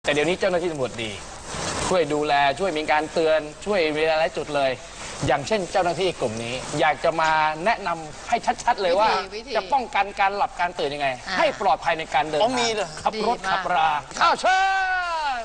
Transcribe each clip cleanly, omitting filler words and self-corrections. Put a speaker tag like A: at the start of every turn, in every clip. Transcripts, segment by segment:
A: แต่เดี๋ยวนี้เจ้าหน้าที่ตำรวจดีช่วยดูแลช่วยมีการเตือนช่วยมีหลายจุดเลย อย่างเช่นเจ้าหน้าที่กลุ่มนี้ อยากจะมาแนะนำให้ชัดๆเลยว่าจะป้องกันการหลับการตื่นยังไงให้ปลอดภัยในการเดินทางขับรถขับราข้าวเชิญ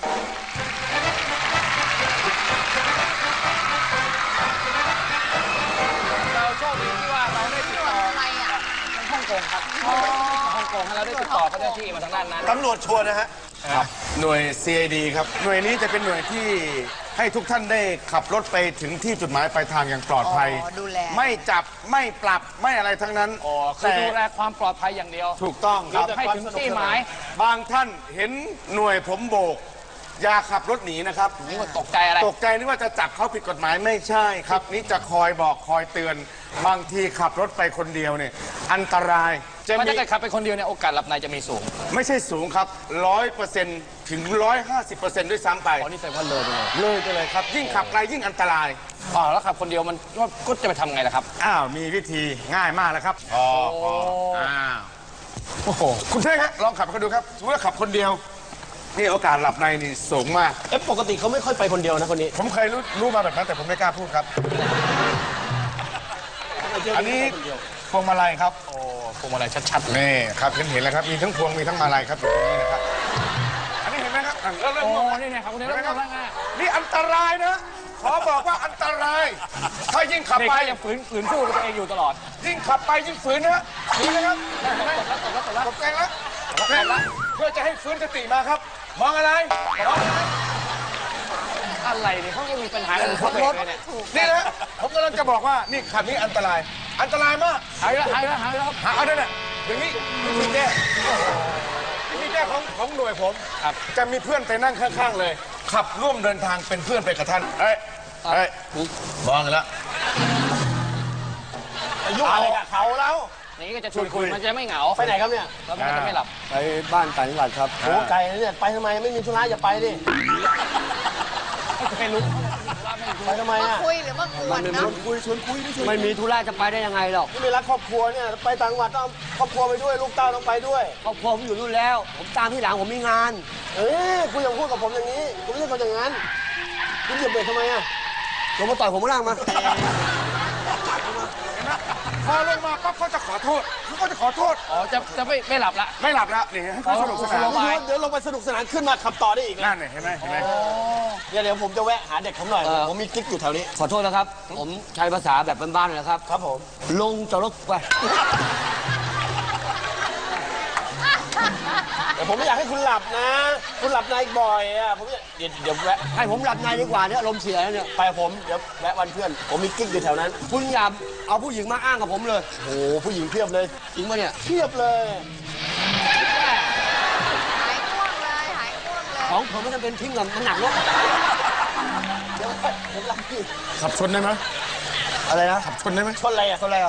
A: เราโชคดีที่ว่าเราได้ติดต่อฮ่องกงครับฮ่องกงเราได้ติดต่อเจ้าหน้าที่มาทางด้านนั้น
B: ตำรวจชัวร์นะฮะครับหน่วย CID ครับหน่วยนี้จะเป็นหน่วยที่ให้ทุกท่านได้ขับรถไปถึงที่จุดหมายปลายทางอย่างปลอดภัยไม่จับไม่ปรับไม่อะไรทั้งนั้น
A: คือดูแลความปลอดภัยอย่างเดียว
B: ถูกต้องครับ
A: ให้ถึงที่หมาย
B: บางท่านเห็นหน่วยผมโบกอย่าขับรถหนีนะครับ
A: นี่ว่าตกใจอะไร
B: ตกใจนึกว่าจะจับเขาผิดกฎหมายไม่ใช่ครับนี่จะคอยบอกคอยเตือนบางทีขับรถไปคนเดียวเนี่ยอันตราย
A: ถ้าเกิดขับไปคนเดียวเนี่ยโอกาสหลับในจะมีสูง
B: ไม่ใช่สูงครับ100%ถึง150%ด้วยซ้ำไป
A: อ๋อนี่แสดงว่าเลย
B: ไปเลยครับยิ่งขับไกลยิ่งอันตราย
A: แล้วขับคนเดียวมันก็จะไปทำไงล่ะครับ
B: มีวิธีง่ายมากแล้วครับโอ้โหคุณเท่งฮะลองขับกันดูครับสมมติว่าขับคนเดียวนี่โอกาสหลับในนี่สูงมาก
C: ปกติเขาไม่ค่อยไปคนเดียวนะคนนี้
B: ผมเคยรู้มาแบบนั้นแต่ผมไม่กล้าพูดครับอันนี้พวงมาลัยครับ
A: พวงมาลัยชัดๆ
B: นี่ครับเห็นแล้วครับมีทั้งพวงมีทั้งมาลัยครับอยู่ตรงนี้นะครับอันนี้เห็นไหมครับเริ่ม
A: นี่ครับคุณเริ่มแล้ว
B: นี่อันตรายนะขอบอกว่าอันตรายถ้ายิ่งขับไป
A: ยังฝืนสู้กับตัวเองอยู่ตลอด
B: ยิ่งขับไปยิ่งฝืนนะนี่นะครับตกใจแล้วเพื่อจะให้ฟื้นสติมาครับมองอะไร
A: เนี่ยเขายังมีปัญหากับรถ
B: นี่นะผมกำลังจะบอกว่านี่ขับนี้อันตรายมาก
A: หายแล้ว
B: เอาด้วยนะอย่างนี้วิธีแก้ของหน่วยผมจะมีเพื่อนไปนั่งข้างๆเลยขับร่วมเดินทางเป็นเพื่อนไปกับท่านเฮ้ยมองกันแล้ว
C: ยุ่งอะไรกับเขาแล้ว
A: นี่ก็จะชวนคุยมันจะไม่เหงา
C: ไปไหนครับเนี่ย
A: แล้วมันจะไม่หลับ
C: ไปบ้านต่างจังหวัดครับโอ้ไกลนะเนี่ยไปทำไมไม่มีธุระอย่าไปดิ
A: ไม่รู้
C: ไปทำไมอ่ะ
D: คุยหรือมากวนเนาะ
C: ชวนคุยไม่มีธุระจะไปได้ยังไงหรอกไม่รักครอบครัวเนี่ยไปต่างจังหวัดต้องครอบครัวไปด้วยลูกเต้าต้องไปด้วยครอบครัวผมอยู่นู่นแล้วผมตามที่หลังผมมีงานคุณอย่าพูดกับผมอย่างนี้คุณไม่ใช่คนอย่างนั้นคุณเหยียบเบรกทำไมอ่ะลงมาต่อยผมมาล่างมา
B: พอลงมาปั๊บเขาจะขอโทษ
A: จะไม่หลับละ
B: นี่ให้เขาสนุกสนาน
C: เดี๋ยวลงไปสนุกสนานขึ้นมาขับต่อได้อีก
B: นั่นเห็นไหม
C: เดี๋ยวผมจะแวะหาเด็กผมหน่อยผมมีกิ๊กอยู่แถวนี้ขอโทษนะครับผมใช้ภาษาแบบบ้านๆนะครับครับผมลงจอดรถไปแต่ผมไม่อยากให้คุณหลับนะคุณหลับในบ่อยอ่ะผมเดี๋ยวแวะให้ผมหลับในดีกว่าเนี่ยลมเสียแล้วเนี่ยไปผมเดี๋ยวแวะวันเพื่อนผมมีกิ๊กอยู่แถวนั้นคุณอย่าเอาผู้หญิงมาอ้างกับผมเลยโอ้ผู้หญิงเพียบเลยจริงปะเนี่ยเพียบเลย
D: หายง่วงเลย
C: ของผมไม่จำเป็นทิ้งกับมันหนักรถเดี๋ยวผมหลับพี่
B: ขับชนได้ไหม
C: อะไรนะ
B: ขับชนได้ไหม
C: ชนอะไรอ่ะ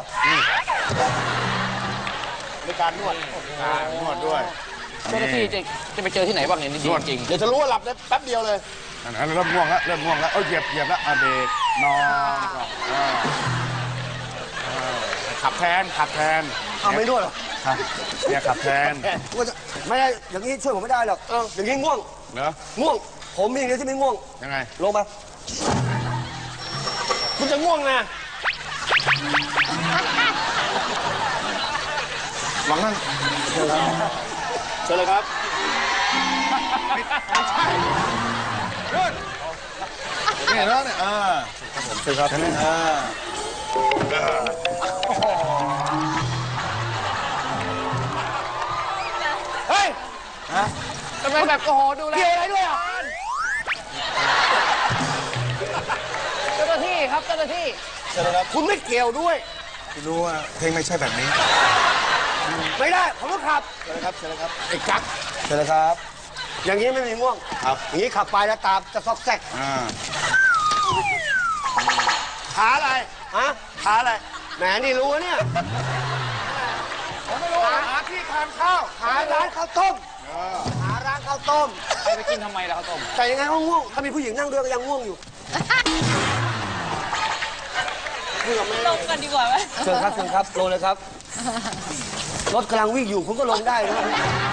C: ในการนวด
B: ด้วย
A: เจ้าหน้าที่จะไปเจอที่ไหนบ้างเนี่ยนี่ดีจริง
C: เดี๋ยวจะรู้ว่าหลับได้แป๊บเดียวเลย
B: เริ่มง่วงแล้วเหยียบแล้วเบรกนอนขับแทน
C: ไม่นวดหรอ
B: ครับเนี่ยขับแทน
C: ไม่ได้อย่างนี้ช่วยผมไม่ได้หรอกอย่างนี้ง่วง
B: เหรอ
C: ง่วงผมมีอย่างนี้ที่ไม่ง่วง
B: ยังไง
C: ลงมาคุณจะง่วงนะ
B: หวังนั่น
C: เชิญเลยครับ
B: ไม่ใช่เดินนี่แล้วเนี่ย
C: ผมเชิญครับ
A: เฮ้ยทำไมแบบโอ้โหดูแล
C: อะไรด้วยอ่ะ
A: เจ้าหน้าที่ครับเจ้าหน้าที่
C: เชิญเลยครับคุณไม่เกี่ยวด้วย
B: คุณรู้ว่าเพลงไม่ใช่แบบนี้
C: ไม่ได้ผมต้องขับเชิญเลยครับ
B: ไอ้กั๊ก
C: เชิญเลยครับอย่างนี้ไม่มีง่วงครับอย่างนี้ขับไปแล้วตามจะซอกแซกขาอะไรขาอะไรแหมนี่รู้เนี่ย
B: ผมไม่รู้หาที่ทานข้าว
C: หาร้านข้าวต้ม
A: ไปกินทำไมล่ะข้าวต้ม
C: แต่ยังไงก็ง่วงถ้ามีผู้หญิงนั่งด้วยก็ยังง่วงอยู่
D: ลงกันดีกว่าไหม
C: เชิญครับลงเลยครับรถกำลังวิ่งอยู่คุณก็ลงได้นะ